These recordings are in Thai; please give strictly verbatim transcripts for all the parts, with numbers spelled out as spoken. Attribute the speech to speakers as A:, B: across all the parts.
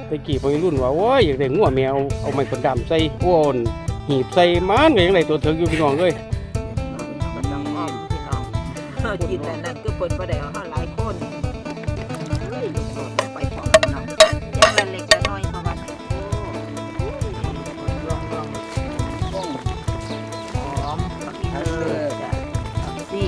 A: ตะกี้พวกรุ่นว่าโอ้ยอยากได้งัวแมวเอาไม้คนดำใส่โอนหีบใส่มันก็ยังได้ตัวถึงอยู่พี่น้องเลย
B: มันต้องอ้อมพี่น้องเฮากินแต่นั้นก็เพิ่นบ่ได้เอาเฮาหลายคนเฮ้ยลูกโดดไปพร้อมน้องอย่างละเล็กละน้อยเข้ามาลองลองหอมเออจ้ะสี่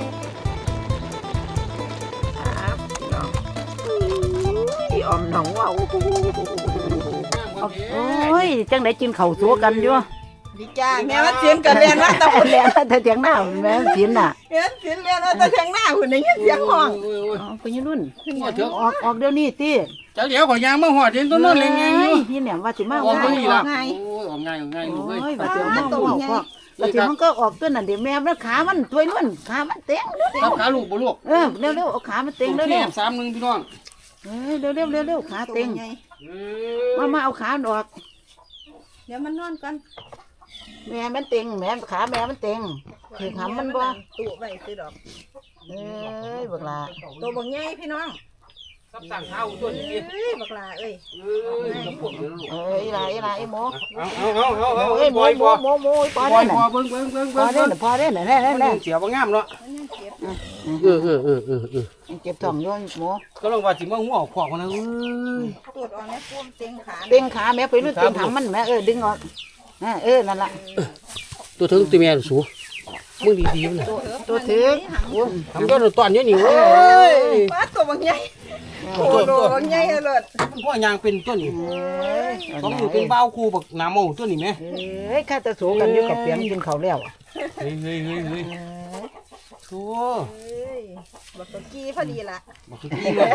B: ครับพี่น้องพี่ออมน้องว่าโอ้ยจังได๋กินข้าวสัวกันอยู่
C: ดีจ้าแม่ว่าเสียนกันเรียนว่าตะ
B: เรียนแต่เถียงหน้าแม่เสียนน่ะ
C: เรียนเสียนเรียนว่าตะเทียงหน้าหุ่นในเสียงห้อง
B: อ๋อคุณยรุ่นออกออกเดี๋ยวนี้ติ
A: จะเดี๋ยวขอยางมาหอดเห็นต้นนั่นเลยไง
B: พี่เนี่ยว่าสิมา
A: ออกตรงนี้ละ
C: ไง
A: โอ้ยออกง่ายออกง่ายลูกเอ้ย
B: โอ้ยว่าสิมาเอาพ่อว่าสิมันก็ออกตัวนั่นเดี๋ยวแม่มันขามันถวยนุ่นขามันเต็ง
A: ครับขาลูกบ่ลูก
B: เออเร็วๆเอาขามันเต็งเร็ว
A: แค่สามหนึ่งพี่น้อง
B: ๆเออเร็วๆเร็วๆขาเต็งมามาเอาขาออก
C: เดี๋ยวมันนอนก่อน
B: แม่มันเต็งแม่ขาแม่มันเต็งคือทำมันบ่
C: ตู้ไว้ซื้อดอก
B: เอ้ยบักลา
C: ตัวบักใหญ่พี่น้อง
A: ซับสั่งเท้าตัวนี้
C: เอ้ยบักลาเอ้ย
A: เอ้ยจะปวดเลยลูก
B: เอ้ยอีหลาอีหลาอีหมู
A: เอาเอาเอาเอาเอา
B: เอ้ยหมู
A: ปล่อย
B: หมู
A: บ่
B: หมูหมูพอ
A: ปล่
B: ได้
A: อย
B: น่ะ
A: บ่เบิ่งเบิ่งเบิ่ง
B: พอ
A: เบิ่ง
B: ได้น่ะพอได้น่ะแน่
A: มัน
B: แน่
A: เสียบ่งามเนาะ
C: มันยังเจ็บ
A: เออเออเออเออเออ
B: เจ็บท้องอยู่หมู
A: ก็ลองว่าสิมาหัวขวากมันนะเอ้ย
C: ตูดออกในปูมเต็งขา
B: เต็งขาแม่ไปรู้เต็งทำมันแม่เออดึงออกเออนั่นล่ะ
A: ตัวถึงตีแม่สูมึงดีๆมันน่ะ
B: ตัวถือ
A: ทำก็ตอนนี้นี่เว้ย
C: ป้าตัวบักใหญ่โอ้โหบักใหญ่เลย
A: มันพ่อยางเป็นตัวนี้
B: เอ้ย
A: ต้องอยู่เป็นเบ้าคู่บักน้ำเมาตัวนี้แม่
B: เอ้ยข้าจะสูกันอยู่กับเปียงกินข้าวแล้ว
A: เฮ้ยเฮ้ยเฮ้ยเฮ้ยโธ่
C: เอ้ยบักตะกี้พอดีละ
A: บักกี้เลย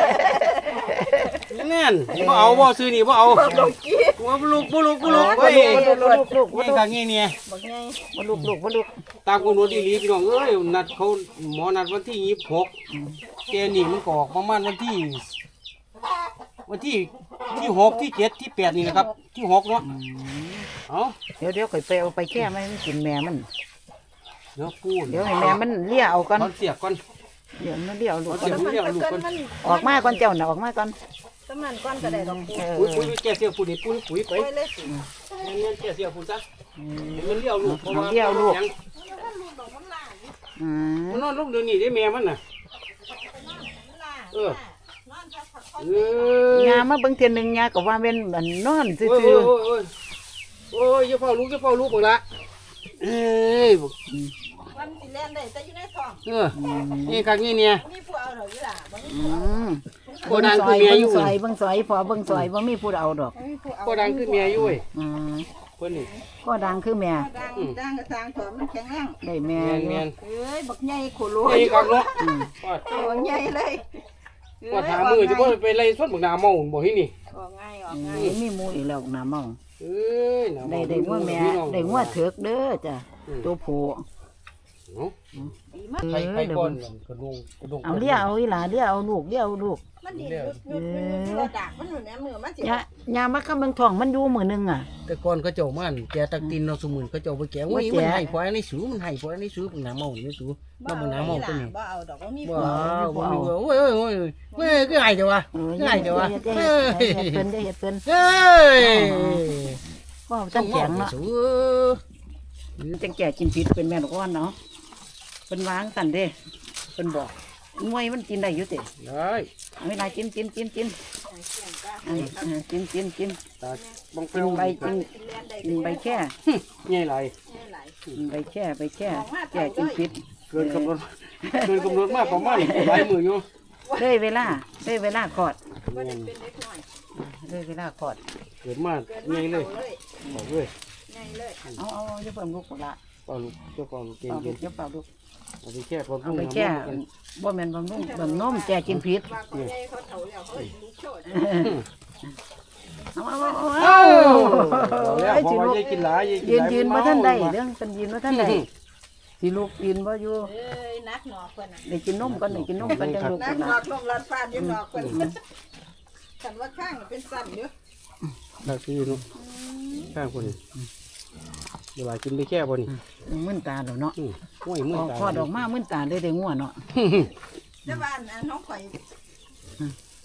A: แน่นบ่เอาบ่ซื้อนี่บ่เอา
C: บักตะกี้
A: ว่าบ่ลูกบ่ลูกบ่ลูกเฮ้ย
B: ลูกลูก
A: เฮ้ยกางงี้เนี่ย
C: บักใหญ่
B: บ่ลูกลูกบ่ลูก
A: ตามกำหนดอีหลีพี่น้องเอ้ยนัดเขาหมอนัดวันที่ยี่สิบหกแกนี่มันก็ออกประมาณวันที่วันที่ที่หกที่เจ็ดที่แปดนี่นะครับที่หกเนาะเอา
B: เดี๋ยวเดี๋ยวข่อยไปเอาไปแค่ไม่กินแม่มัน
A: เดี๋ยวพูด
B: เดี๋ยวให้แม่มันเลี้ยเอาก่อน
A: เขาเสียบก่อน
B: เดี๋ยวมันเลี้ยเอาลูก
A: เดี๋ยว
C: มัน
A: เรียกลูก
C: เกิ
A: ก่อน
C: นมัน
B: ออกมาก่อนเจ้าน่ะออกมาก่อน
C: สมันก้อนก็ได้ดอกปู
B: เออ
A: ปุ๋ยปุ๋ยแกเสียบปุ๋ยปุ๋ยปุ๋ยไป
C: ไปเลยสิ
A: เงี้ยแกเสียบปุ๋ยซะมันเลี้ยวลูกเพราะว่า
B: อืม
A: มันนอนลูกเดือนนี้ได้แม่มันน่ะเออเออย
B: ามาเบิ่งเทื่อนึงยาก็ว่าเป็นอันนอนซื่
A: โอ้ย
B: อ
A: โอ้ยโอ้ยโอ้ยอย่าเฝ้าลูกอย่าเฝ้าลูกหมดละเอ้ย
C: มันสิเล่นได้แต่อยู่ในท้อง
A: เออนี่ครั้งนี้เนี่ย
C: มีผู้เอาเถอะอยู่ล่ะบ่มี
B: ๆอืม
A: โกดังคือเมียอยู่
B: เบิ่งซอยเบิ่งซอยพอเบิ่งซอยบ่มีผู้เอาดอก
C: บ่มีผู้เอา
A: โกดังคือเมียอยู่เว้ย
B: อืม
A: เพิ่นนี่
B: ก็ดังคือแม่
C: ดังดังกระทางถอมันแข็งแรง
B: ได้แม่
A: แม่น
B: อยู่
A: แม่น
C: เอ้ยบักใหญ่โคโล
A: นี่ครับเนาะ
B: อืม
A: ว่า
C: ตัวใหญ่เลย
A: ว่าถามมือจะบ่ไปไล่สดบักหน้าเมาบ่ที่นี่
C: ออกง่ายออก
B: อืม
C: ง่าย
B: มีหมูอีกแล้วน้ำเมา
A: เอ้ยหน้า
B: ได้
A: เมา
B: ได้งัวแม่ได้งัวเถือกเด้อจ้ะตัวผู้
A: เนาะ
C: ดีมาก
A: ไปไปก่อนกระดงกระดง
B: เอาเลี้ยเอาอีหลาเลี้ยเอาลูกเลี้ยเอาลูก
C: มันดียุดยุดยุดยุดระดับมันอยู่ในมือมันสิ
B: ยายามาคำเบิ่งท้องมันอยู่มื้อนึงอ่ะ
A: แต่ก่อนเขาเจ้ามันแกตักตินเราสมุนเขาเจ้าไปแกง
B: ว่า
A: โอ้ย
B: แก
A: มันให้พออันนี้สูมันให้พออันนี้สูบักหน้าเมานี่สูน้ำบักหน้าเมาตัวนี้
C: บ่เอาดอกว่ามี
A: ว้าวว้าวโอ้ยโอ้ยโอ้ยเว้ยคือไงเดี๋ยววะ
B: เออ
A: คือไงเดี๋ยววะ
B: เฮ็ด
A: เฮ้
B: เฮ็ด
A: ย
B: เฮ็ดเพิ่นได้เฮ็ดเพิ่น
A: เฮ้ย
B: ก็ตั้งแข็งเนาะ
A: สู
B: จังแก่กินผิดเป็นแม่นก้อนเนาะเพิ่นวางสั่นเด้เพิ่นบอกงวยมันกินได้อยู่ติ
A: ได้
B: เอาเวลากินกินกินกินอ่าอ่ากินกินกิน
A: ตาบังเป็
B: กิ
A: น
B: นใบกินกินใบแค่
A: ใหญ่ไร
B: กินใบแค่ใบแค่แก่กินผิด
A: เกินกำหนดเกินกำหนดมากประมาณหลายมืออยู่
B: เลยเวลาเลยเวลาขอดเลยเวลาขอด
A: เกิดมากใหญ่เลยบอกเลย
B: เอาเอาเอาอย่าเพิ่มลูกละ
A: เปล่าลูกเจ้าเปล่าลูกเก่ง
B: เอา
A: เก่
B: ลู
A: ง
B: กอย่าเปล่าลูก
A: เอาไปแค่พอ
B: เอา
A: พุ่ง
B: ไป
A: น้ำ
B: แค่
A: มัน
B: บ่แม่นบำรุงบำนมแก่กินผิดเอาเอาเอา
A: เอ้า
B: เอา
A: เอาแล้ว
B: ไอ้
A: พอ
B: สิ
A: ว่า
B: ลูก
A: ยายกินหลายยายกิน
B: ยื
A: ห
B: น
A: ลาย
B: ยืนมาท่านใดเรื่องเป็นยืนมาท่านใดสิลูกยืนบ่อยู่
C: เอ้ยนักหนอกเพิ่นน่ะ
B: ได้กินนมก่อนได้กินนมก่อนจังลูก
C: นัก
B: นะ
C: หนอกลมรัดฟาดอยู่หนอกเพิ่นฉันว่าข้างเป็นสั่นอยู่
A: ได้ซื้อลูกข้างคนนี้เดี๋ยวกินไปแค่บนนี้
B: มึนตาแล้วเนาะ
A: ห้วยมือ
B: ออก
A: ตา
B: พอดออกมามึนตาเลยได้งัวเนาะ
C: แต่ว่าอันน้องข่อย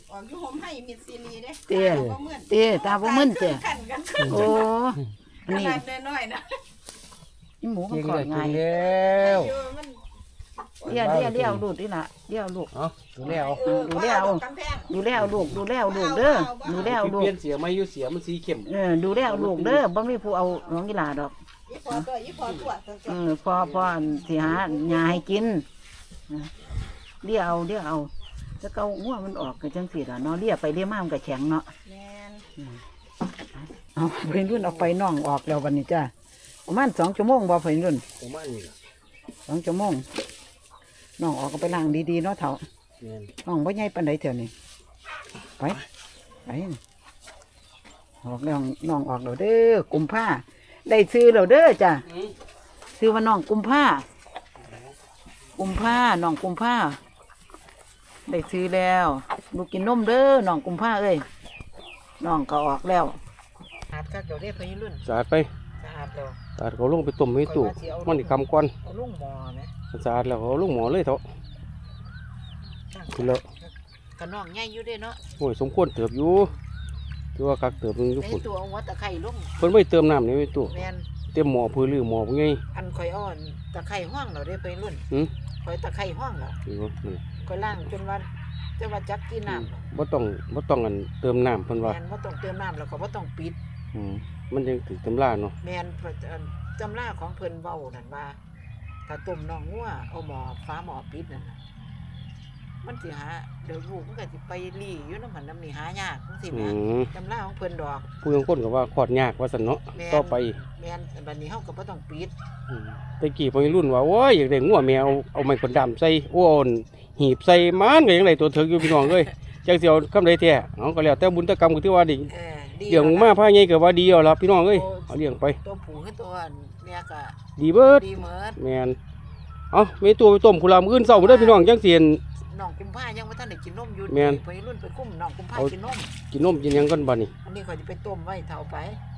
C: ออกอยู่ห่มให้มิดซีรีเด้
B: เตี้ย
C: บ่เหมือน
B: เตี้ยตาบ่มึนเตี้ย
C: ขันกัน
B: โอ้
C: ข
B: นี่
C: นาดน้อยๆนะ
B: นี่หมูมัน
A: เก่ง
B: ขอ
A: เล
B: ด
A: ย
B: ง่าย
A: เก่งแล้ว
C: อยู่มัน
B: เลี้ยวเลี้ยวเลี้ยวลูกนี่ล่ะเลี้ยวลูก
A: เอาดูแล้ว
C: เออ
B: ดูแล้ว
C: กำแพง
B: ดูแล้วลูกดูแล้วลูกเด้อดูแล้วลู
A: เป
B: ก
A: ลี่ยนเสียไม่อยู่เสียมันสีเข้ม
B: เออดูแล้วลูกเด้อบ่มีผู้เอาน้องกีฬาดอก
C: ยี่พอตัวยี่พอตัวตัว
B: เออพอพออันสิหาหญ้าให้กินนะเลี้ยวเอาเลี้ยวเอาแล้วก็หัวมันออกก็จังซี่ล่ะเนาะเลี้ยไปเลี้ยมามันก็แข็งเนาะ
C: แมน
B: เอาเพิ่นรุ่นเอาไฟน่องออกแล้ววันนี้จ้าประมาณสองชั่วโมงบ่เพิ่นรุ่น
A: ประมาณนี้ล่ะ
B: สองชั่วโมงน่องออกก็ไปล้างดีๆเนาะเถา
A: แม่น
B: น่องบ่ใหญ่ปานใดเถอะนี่ไปไปออกแล้วน่องออกแล้วเด้อกุมผ้าได้ซื้อแล้วเด้อจ้า
A: อืม
B: ซื้อว่าน่องกุมผ้ากุมผ้าน่องกุมผ้าได้ซื้อแล้วลูกกินนมเด้อน่องกุมผ้าเอ้ยน่องก็ออกแล้วสะอาดคักเดี๋ยวเด้อเพิ่นรุ่น
A: สะอาดไป
B: สะอาดแล้ว
A: สะอาดเขาลงไปต้มให้ตู้มันนี่คำก่อน
B: เอาลุงหมอไหม
A: สะอาดแล้วเขาลงหมอเลยเถอะคือแล้ว
B: กระน้องใหญ่อยู่เด้เนาะ
A: โอ้ยสมควรเติบอยู่คือว่ากักเติบหนึงทุก
B: ใน
A: คน
B: ตัวเอาหัวตะไคร่ลุง
A: เพิ่นไม่เติมน้ำนี่ไว้ตู้
B: แมน
A: เต็มหม้อพื้นหรือหม้อพวกไง
B: อันข่อยอ่อนตะไคร่ห้องเราได้ไปรุ่น
A: หืม
B: ข่อยตะไคร่ห้องเรา
A: นี่บ่นี่
B: ข่อยล่างจนว่าจะว่าจักกินน้
A: บ่ต้องบ่ต้องอันเติมน้ำเพิ่น
B: ำแม
A: ว่า
B: นว่าต้องเติมน้ำแล้วก็ว่าต้องปิด
A: อืมมันยังถึงตำราเนาะ
B: แมนเพิ่นอันจำราของเพิ่นเว้านั่นว่าถ้าต้มน้องงัวเอาหมอฟ้าหมอปิดนั่นน่ะมันสิหาเดี๋ยวลูกมันก็สิไปรีอยู่น้ำมันน้ำนี่หายากจังซี่
A: อื
B: แหม
A: ม
B: จำราของเพิ่นดอก
A: ผู้ยังคนก็ว่าคลอดยากว่าซั่นเนาะ
B: แม่น
A: ต่อไป
B: แมนบัดนี้เฮาก็บ่ต้องปิด
A: อืมแต่กี้พวกรุ่นว่าโอ้ยอยากได้งัวแมวเอาไม้คนดำใส่โอ้นหีบใส่มันก็ยังได้ตัวเถิกอยู่พี่น้องเอ้ยจักสิเอาคำใดแท้เอาก็แล้วแต่บุญตะกรรมก็ถือว่าดี
B: เออดี
A: เลี้ยงมาพาใหญ่ก็ว่าดีเอาล่ะพี่น้องเอ้ยเอาเลี้ยงไป
B: ตัวผู้คือตัวเนี่ยก็
A: ดีเบิด
B: ดีเหมือน
A: แม่นเอามีตัวไปต้มกุหลาบมื้ออื่นเช้าเด้อพี่น้องจังสิเห็น
B: น้องกุมภายังบ่ทันได้กินนมอยู่
A: แม่น
B: ไปรุ่นไปกุ้มน้องกุมภา
A: เอา
B: กินนม
A: กินนมกินหยังกันบัดนี้
B: อันนี้เขาจะไปต้มไว้เท่าไป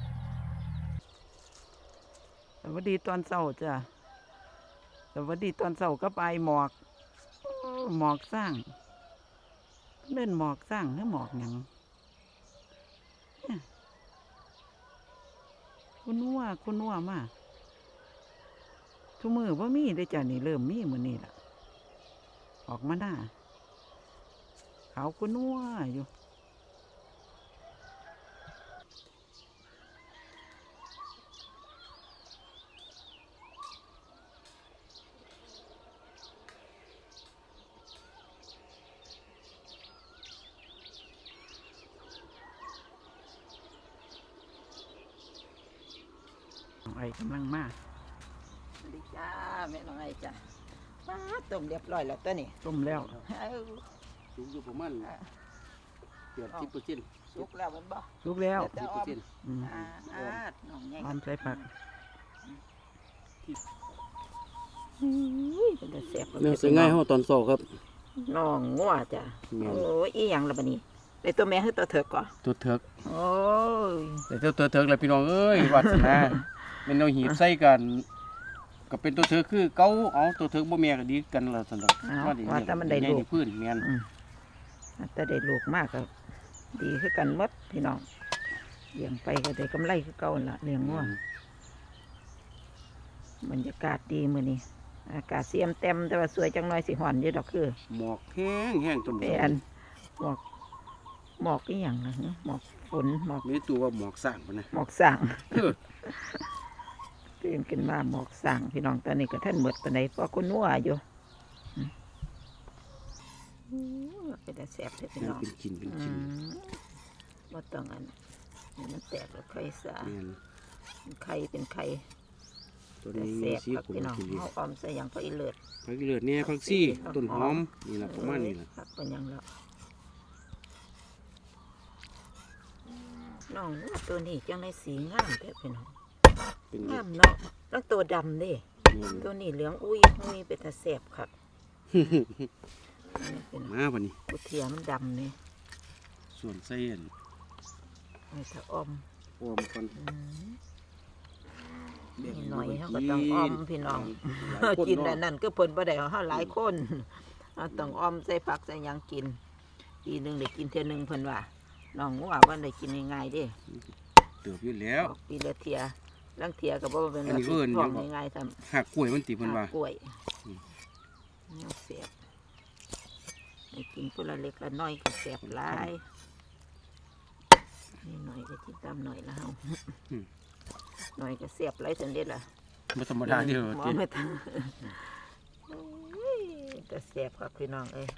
B: สวัสดีตอนเช้าจ้ะสวัสดีตอนเช้าก็ไปหมอกโอ้หมอกสร้างเล่นหมอกสร้างหรือหมอกหยังเนี่ยคุณนัวคุณนัวมาทุกมือว่ามีได้อจ้ะนี่เริ่มมีมือนี่ล่ะออกมาหน้าขาวคุณนัวอยู่น้องไอ้กำลังมาสวัสดีจ้าแม่น้องไอ้จ้ามาต้มเรียบร้อยแล้วตัวนี้ต้มแล้วเอ้า
A: สูงอยู่ประมาณเกือบสิบเปอร์เซ็นต์
B: สุกแล้วมันบ่สุกแล้ว
A: สิบเปอร์เซ็นต์
B: อืมอ่าอ่าน้องใหญ่อ่อนใส่ผักอุ้ยเป็นแต่แซ่บ
A: แม่สิง่ายเฮาตอนเช้าครับ
B: น้องงัวจ้ะ
A: แม่น
B: โอ้ยอีหยังล่ะบัดนี้ได้ตัวแม่คือตัวเถิกก่อ
A: ตัวเถิก
B: โอ้ย
A: แต่ตัวตัวเถิกแหละพี่น้องเอ้ยวาสนาแม่นเอาหีบใส่กันก็เป็นตัวเถิกคือเก่าเอาตัวเถิกบ่แม่ก็ดีกันแล้วซั่นดอก
B: เอาว่าแต่มันได้
A: ใหญ่
B: ลู
A: ที่
B: ก
A: พื้นแม่น
B: อืมแต่ได้ลูกมากก็ดีคือกันหมดพี่น้องเลี้ยงไปก็ได้กำไรคือเก่าหั่นล่ะเลี้ยงงัวบรรยากาศดีมื้อนี้อากาศเสียมเต็มแต่ว่าสวยจังน้อยสิฮ้อนอยู่ดอกคือ
A: หมอกแห้งแห้งจน
B: ไอ้อันหมอกหมอกอีหยังนะหมอกฝนหมอก
A: มีตัวว่าหมอกสร้างพุ่นนะ
B: หมอกสั่ง
A: เออ
B: ตื่นขึ้นมาหมอกสั่งพี่น้องตอนนี้ก็ท่านหมดปานใดเพราะคนนัวอยู่อืมอืมเป็นแต่แสบเลยพี่น้อง
A: เป็นกินเป็น
B: อื
A: กิน
B: มบ่ต้องอันนี่มันแตกแล้วไข่สา
A: แม่น
B: เป็นไข่เป็นไข่
A: ตัว
B: แต่
A: นี้
B: แส
A: มี
B: บ
A: สี
B: ครับ
A: ขุ่น
B: พี่น้อง
A: กินดี
B: เอาออมใส่หยังก็อีเลิศ
A: ผักอีเลือดเนี่ยผักซี่ต้นหอมนี่แหละประมาณนี้แหละ
B: ครับเป็นหยังแล้วน้องตัวนี้จังในสีงามแต่พี่น้อง
A: เป็น
B: งามเนาะแล้วตัวดำเดิ
A: นี่
B: ตัวนี้เหลืองอุ้ยอุ้ยเป็นตาแสบครับนี่เป็น
A: มาวันนี้
B: กุเทียมันดำนี่
A: ส่วนเส้น
B: ไอ้ถ้าออม
A: ออมกัน
B: อืม
A: แบ่ง
B: นี่หน่อย
A: ให้
B: เขา
A: ลู
B: ก็
A: กิ
B: ต้องออมพี่น้อง
A: หลายค
B: กิน
A: เาะ
B: แต่นั่นก็เพิ่นบ่ได้เฮาหลายคนเอาต้องออมใส่ผักใส่หยังกินปีหนึงได้กินเทื่อหนึงเพิ่นว่าน้องว่าว่าได้กินง่ายๆเด้
A: เติบอยู่แล้ว
B: ออกปีละเที่ยลังเที่ยก็บ่เป็น
A: อันนี้เอิ้น
B: ท้องง่ายๆซ้ํ
A: หักกล้วยมันติเพิ่นว่า
B: กล้วย
A: อืม
B: แนวเสียบได้กินพุ่นละเล็กละน้อยก็แซ่บหลายนี่หน่อยก็ติดตามหน่อยละเฮาหน่อยก็แซ่บหลายซั่นเด้ล่ะ
A: บ่ธรรมดาเด้อ
B: หมอ
A: ติ
B: ไม่ทันโอ้ยแต่แซ่บครับพี่น้องเอ้ย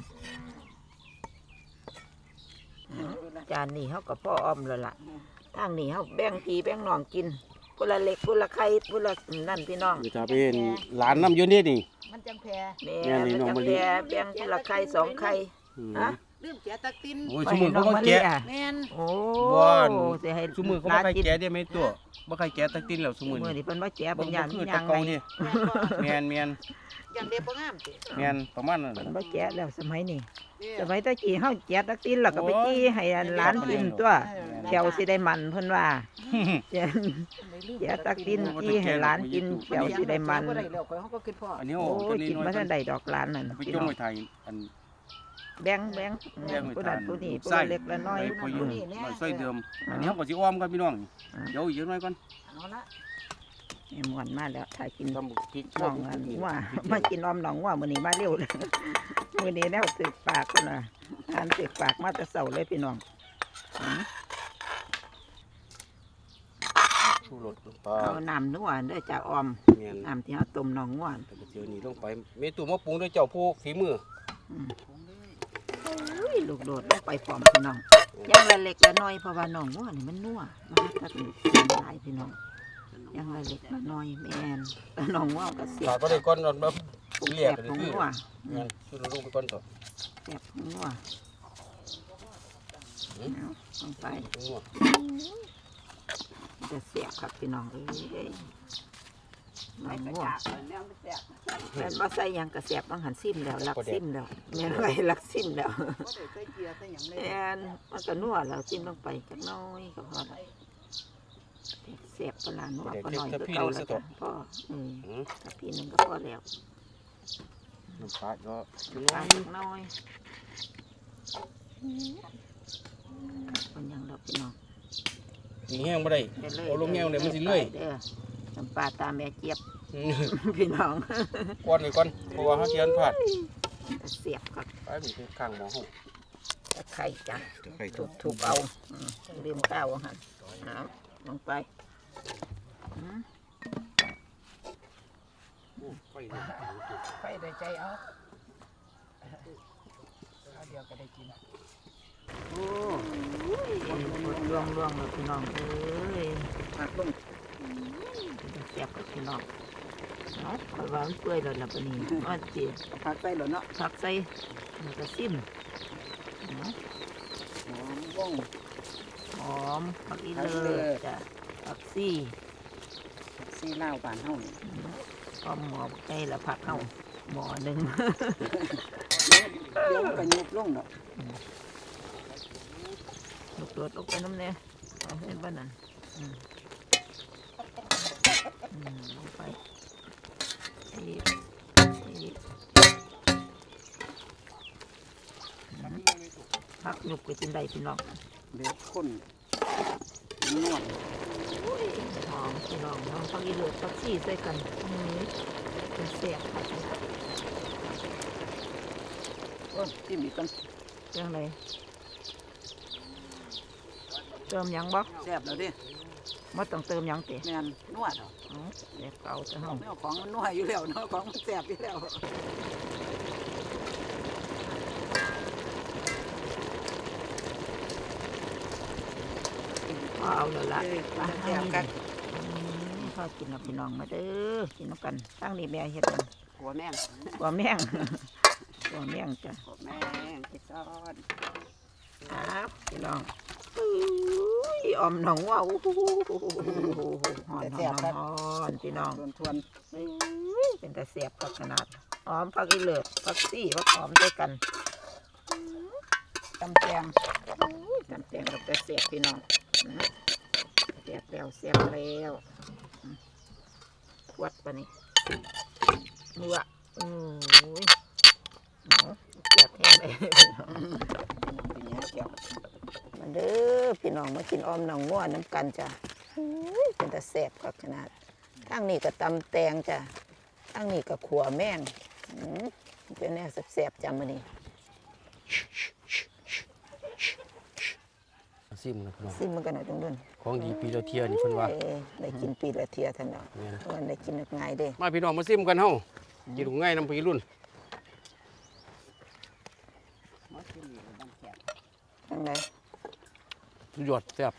B: จานนี้เฮาก็พ่ออ้อมแล้วล่ะทางนี้เฮาแบ่งพี่แบ่งน้องกินพุ่นละเล็กพุ่นละไข่พุ่นละนั่นพี่น้อง
A: เดี๋ยวจะเป็นหลานน้ำอยู่นี่นี่
C: มันจังแพร
B: แม่
A: แม่นี่
B: มัน
A: น้อง
B: จะ
A: มะลิ
B: แบ่แบ่งพุ่นละไข่สองไข่
A: อืม
B: ฮะ
C: ลืมแกะตะติน
A: โอ้ยสมือเขาบ่แกะ
C: แม่น
B: โอ้
A: บ่อน
B: สิให้
A: สมือเขาบ่ใครแกะได้ไหมตัวบ่ใครแกะตักตินแล้วส
B: ส
A: มื
B: มื
A: อ
B: อ
A: นี่
B: นี่เพิ่นว่าแจ๋
A: บ่
B: เป็น
A: บ่
B: ย่าง
A: คือ
B: มี
A: แตะ
B: ย่าง
A: เก่า
B: ไง
A: นี่แม่นแม่น
C: อย่างเดียวบ่งามติ
A: แม่นประมาณนั้น
B: เพิ่น
A: น่ะ
B: ว่าแจ๋แล้วสมัยนี้
C: เด้
B: สมัยตะกี้เฮาแจ๋ตักตินแล้วก็ไปจี้ให้หลานกินตัวแถวสิได้มันเพิ่นว่าแจ๋แจ๋ตักตินจี้ให้หลานกินแถวสิได้มัน
C: บ่ได้แล้วข่อยเฮาก็คิดพ่อ
A: อันนี้
B: โอ้
A: โอ้ตัวย นี้
B: กิน
A: น้อย
B: บ่ทันได้ดอกหลานนั่น
A: ไป
B: พี่
A: จง
B: น้อง
A: ไว้ไทยอัน
B: แบ่งแบ่ง
A: แบ่งไว้
B: ผู้
A: ทา
B: นั้น
A: น
B: ผู้นี้ผู้
A: ไส้
B: ละเล็กละน้อย
A: ไปอยู่
B: อืม
A: น้อยซอยเดิมอันนี้เฮาก็สิอ้อมครับพี่น้อง
B: อ่า
A: เดี๋ยวอีกจักหน่อยก่อน
C: เอาละ
B: แม่ม่วนมาแล้วถ้ากิน
A: ตำบักพริก
B: น้องอันว่ามากินออมน้องว่ามื้อนี้มาเร็วเลย มื้อนี้แนวสึกปากพุ่นน่ะทานสึกปากมาแต่เช้าเลยพี่น้องอืม
A: ชูรสลงไป
B: เอาน้ำนัวเด้อจ้าออม
A: แม่น
B: น้ำที่เราต้มน้องง่วน
A: แต่เดี๋ยวนี้ลงไปเมตูมาปรุงด้วยเจ้าผู้ฝีมือ
B: อุ้ยลูกโดดลงไปพร้อมพี่น้องย่างละเล็กละน้อยเพราะว่าน้องง่วนนี่มันนัวมันตัดหลายพี่น้องย่างละเล็กละน้อยแม่นแต่น้องง่วนก็เสีย
A: ขาด
B: บ
A: ก็ได้ก่อนนอนมาปรุง
B: แส
A: เรียก
B: บ
A: กัน
B: ของ
A: คือ
B: งัว
A: แม่นชูรสลงไปก่อนต่อ
B: แสบของงัวเอาลงไป
A: งัว
B: จะเสียบครับพี่น้องเอ้ยน้องง่วน
C: แล้วมันแซ่บ
B: แม่นว่าใส่หยังกระแสบต้องหันซิมแล้วลักซิมแล้วแม่นไรลักซิมแล้ว
C: บ่ได้ใส่เกลือใส่หยังเลย
B: แม่นมันก็นัวแล้วซิมลงไปจักหน้อยก็พอละเสียบปลาหนัวก็หน่อยก็เก่าแล้วจ้ะพ่ออืม
A: อืม
B: ถ้าพี่หนึงก็พอแล้ว
A: น้ำปลาก็
B: ปลาจักหน้อยมันยังดอกพี่น้อง
A: มีแห้งบ่ได้
B: ได้เลย
A: เอาลงแห้งเลยมันสิเลื่อย
B: เด้อน้ำปลาตาแม่เจี๊ยบ
A: อืม
B: พี่น้อง
A: ก่อนไว้ก่อนเพราะว่าเฮาสิอันพลาด
B: เสียบครับ
A: ไปมันคือข้างหม้อเฮา
B: ตะไคร้จ้ะ
A: ไข่
B: ทุ
A: ทุ
B: บบ ๆเอาอืมลืมข้าวอาหันน้ำลงไปอืม
A: ไฟนี่
C: ไปได้ใจเอาเอาเดียวก็ได้กิน
A: โอ้
B: ล่วงล่วงๆเลยพี่น้องเอ้ย
C: ผักลง
B: แซ่บกับพี่น้องเนาะคอยว่ามันเปื่อยแล้วล่ะปะนี้ว่าจี
C: ผักใส่แล้วเนาะ
B: ผักใส่มันก็ซิมเนาะ
C: หอมบ้ง
B: หอมผักอีเลิศจ้ะผักซี่
C: ซีลาวบ้านเฮานี่
B: ก็หมอใกล้ละผักเข้าหมอหนึ่ง
C: เดี๋ยวมันก็ยุบลงดอก
B: ลูกโดดลงไปน้ำเนี่ยเอาเห็นบ้านนั่นอืมอืมลงไปอีกอีกผักหนุกไปจินใดพี่น้อง
C: เดี๋ยวคนนวด
B: หอมพี่น้องน้องผักอีเลือดผักชีใส่กันอืมเป็นเสียบค่ะ
C: โอ้จิ้มอีกกัน
B: ยังไงเติมหยังบ่
C: แซ่บแล้วเดิ
B: ไม่ต้องเติมหยังเตะ
C: แม่นนวดเอา
B: อ๋อเด็กเก่าจะห้อง
C: แนวของมันนวดอยู่แล้วเนาะของมันแซ่บอยู่แล้ว
B: พอเอาแล้วล่ะ
C: เออ
B: ไป
C: แซ่บกัน
B: พอกินกับพี่น้องมาเด้อกินน้ำกันตั้งนี่แม่เฮ็ดหยัง
C: หัวแม่ง
B: กว่าแม่ง กว่าแม่งจ้ะ
C: หัวแม่งไปซ่อน
B: ครับพี่น้องอุ้ยออมหนองว่าโอ้โหหอนหอนหอนพี่น้อง
C: ทวนทวน
B: เป็นแต่เสียบกับขนาดหอมผักอีเลือดผักซี่ผักหอมด้วยกัน
C: ตำแจง
B: จำแตงกับแต่เสียบพี่น้องเสียบแล้วเสียบแล้ววัดปะนี่นัวอือเอาแซ่บแห้งเลยเป็นยังเกี่ยวมาเด้อพี่น้องมากินอ้อมหนองง่วน้ำกันจ้ะอุ้ยเป็นตาแซ่บก็ขนาดทั้งนี้ก็ตำแตงจ้ะทั้งนี้ก็ขัวแม่งอืมเป็นแนวแซ่บๆจ้ะมื้อนี้
A: ซิมนะพี่น้อง
B: ซิมมันกันหน่อยตรงนั้น
A: ของดีปีละเที่ยนี่เพิ่นว่า
B: เอ้ยได้กินปีละเทียท่านเนาะ
A: แม่น
B: วันได้กินง่ายเด้
A: มาพี่น้องมาซิมกันเฮากินง่ายน้ำพี่รุ่น
B: จังได
A: สุดยอดแซ่บ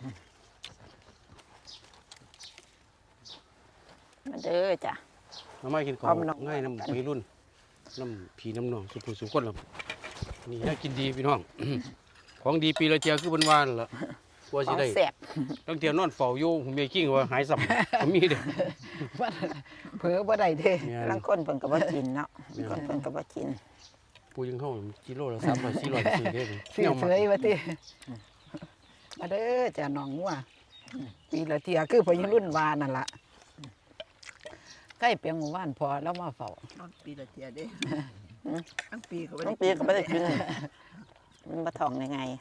B: มาเด้อจ้ะ
A: มาไม่กินขอ
B: เอา
A: ง
B: มาลอง
A: ง่ายน้ำพี่รุ่นน้ำผีน้ำนองสุขสุขคนละนี่น่ากินดีพี่น้อง ของดีปีละเที่ยคือเพิ่นว่านั่นล่ะกลัว
B: ข
A: สิ
B: อง
A: ได้
B: แซ่บ
A: ตั้งเที่ยนอนเฝ้าอยู่ผมมีกิ้งว่าหายสับ ผมมีเด้อ
B: เผลอบ่ได้เด้
A: แม่น
B: ลางคนเพิ่นก็บ่กินเนาะ
A: แม่น
B: คนเพิ่นก็บ่กิน
A: ปูยังเข้ากิโลละสามร้อยสี่ร้อยซื้อได้เลย
B: เสียเฉยว่าติมาเด้อจ้ะน้องงัวปีละเทียคือพอยังรุ่นวานั่นล่ะใกล้เปียงหมู่บ้านพอแล้วมาเฝ้า
C: ปีละเทียเด้ทั้งปีเขา
B: น้องปีก็บ่ได้กินมันบ่ท้องได้ไง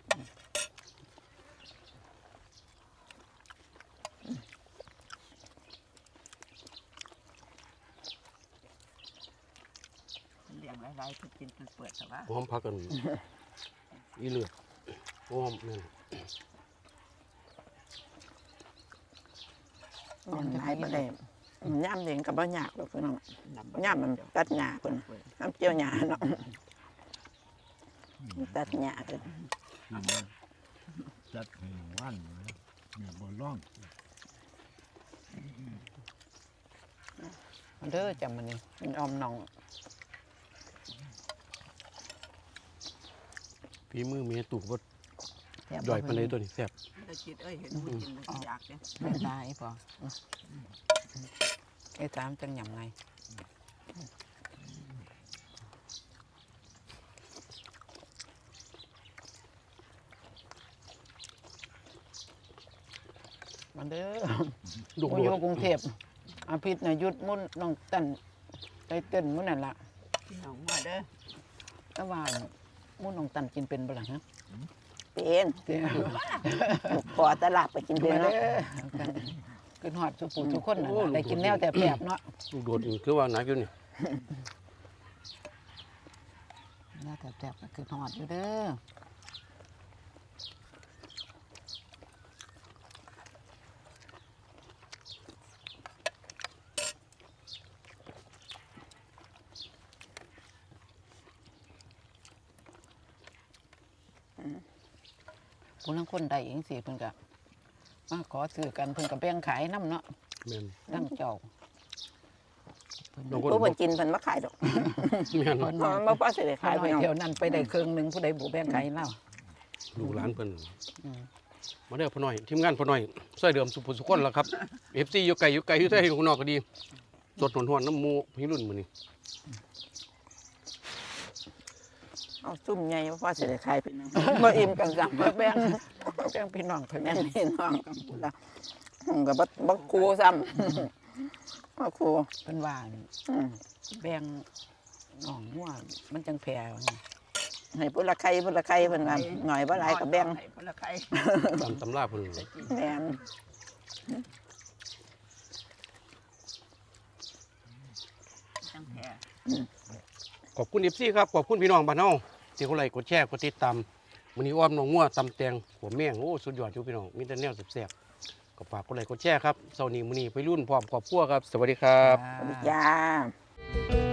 C: เลี้ยงหลายๆทุกกินจนเปิดแต่ว่า
A: หอมพักกันอีเลือดหอมนั่น
B: มันหลายบ่ได้ย่ำเองก็บ่ยากหรอกพี่น้องย่ำมันตัดหญ้าเพิ่นน้ำเจียวหญ้าเนาะตัดหญ้าเพิ่น
D: จัดให้วันเลยเนี่ยบ่ร้อง
B: มาเด้อจ้ะมื้อนี้มันออมน้อง
A: ฝีมือเมียตุกบ่
B: แซ่บ
A: ย่อยปานใดตัวนี้แซ่บ
C: แต่คิดเอ้ยเห็นหมูกินแล้วก็อยากเนี่ย
B: ไม่ได้พอไอ้ตามจังหยำไงมาเด้อ
A: ลูก
B: กู
A: โด
B: อยู่
A: ด
B: กรุงเทพอาพิษน่ะหยุดมุ่นน้องตันใจเต้นมุ่นนั่นล่ะ
C: พี่น้องมาเด้อ
B: แต่ว่ามุ่นน้องตันกินเป็นบ่ล่ะฮะ
E: เป็น
B: เจ้า
E: ขอตลาดไปกิน
B: เป็
E: เป็น น
B: เด้
E: เนาะ
B: อกินฮอดสุปูทุกคนนั่นล่ะได้กินแนวแต่แปบเนาะ
A: ลูกโดดนี่คือว่าหนักอยู่นี่
B: แนวแต่แปบก็คือฮอดอยู่เด้อ ผู้ลังคนใดเองสิเพิ่นก็มาขอซื้อกันเพิ่นก็แบ่งขายน้ำเนาะ
A: แม่น
B: ตั้งเจ้า
A: บางคน
E: ผู้
A: บ่
E: เพิ่นกินเพิ่นมาขายดอก
A: แม่น
B: เพิ่น
E: เพราะมันบ่พอสิได้
B: ขา
E: ขาย ย
B: ไป
E: พี่น้อง
B: เที่ยวนั้นไปได้เครื่องหนึงผู้ใดบ่แบ่งขายเล่า
A: ลูกหลานเพิ่น
B: อืม
A: มาเด้อพ่อน้อยทีมงานพ่อน้อยซอยเดิมสุขสุขคนล่ะครับ เอฟ ซี อยู่ไกลอยู่ไกลอยู่ไทยอยู่ข้างนอกก็ดีสดหวนๆน้ำหมูพี่รุ่นมื้อนี้
E: เอาซุ่มใหญ่บ่พอสิได้ขายพี่น้องบ่อิ่มกันซ้ํ
B: บ่แบ่งบ่แบ่งพี่น้องเพิ่น
E: แม่นพี่น้องกันพุ่นล่ะผมก็บ่บ่คูซ้ำบ่คู
B: เพิ่นว่า
E: อืม
B: แบ่งน้องงัวมันจังแผ่
E: ให้พุ่นละไข่พุ่นละไข่เพิ่นว่าหน่อยบ่หลายก็แบ่ง
C: ให้คนละไข่
A: ตามตำราเพิ่น
E: แม่น
C: จังแพ้
A: ขอบคุณ เอฟ ซี ครับขอบคุณพี่น้องบ้านเฮาที่กดไลค์กดแชร์กดติดตามมื้อนี้อ้อมน้องงัวตำแตงหัวแมงโอ้สุดยอดอยู่พี่น้องมีแต่แนวแซ่บๆก็ฝากกดไลค์กดแชร์ครับเช้านี้มื้อนี้ไปรุ่นพร้อมครอบครัวครับสวัสดีครับ
E: สวัสดีจ้า